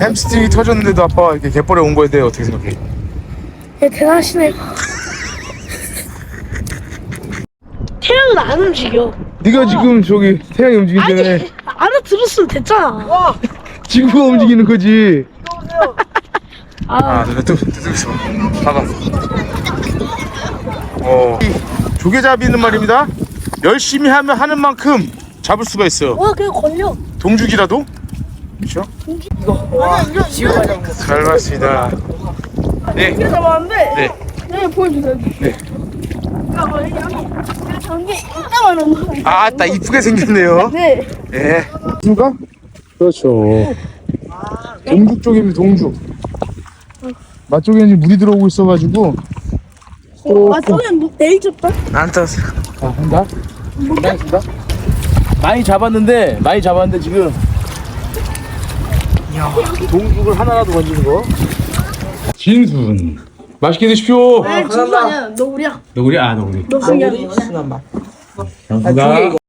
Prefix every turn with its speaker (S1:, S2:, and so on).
S1: 햄스트링이 터졌는데도 아빠가 이렇게 갯벌에 온 거에 대해 어떻게 생각해?
S2: 예, 대단하시네요. 태양은 안 움직여.
S1: 네가 지금 저기 태양이 움직이는데
S2: 아니, 알아들었으면 됐잖아.
S1: 지구가 움직이는 거지.
S2: 아,
S1: 또 있어. 봐봐. 이 조개잡이는 말입니다. 열심히 하는 만큼 잡을 수가 있어요.
S2: 와, 그냥 걸려.
S1: 동죽이라도. 그렇죠? 잘 봤습니다. 네.
S2: 잡았는데.
S1: 네.
S2: 네, 보여주세요.
S1: 네.
S2: 전기 이따만한 거.
S1: 아따 이쁘게 생겼네요.
S2: 네.
S1: 네. 누가? 그렇죠. 동죽 쪽입니다. 동죽. 맛쪽에는 지금 물이 들어오고 있어가지고.
S2: 저는 내일 줬다.
S1: 안 떴어. 자, 한다. 한다.
S3: 많이 잡았는데 지금 동죽을 하나라도 건지는 거.
S1: 진순. 맛있게 드십시오.
S2: 네, 진짜 아니야. 너 우리야.
S1: 너구리? 아, 너구리.
S2: 너 그냥.
S3: 순한 맛.
S1: 감사합니다.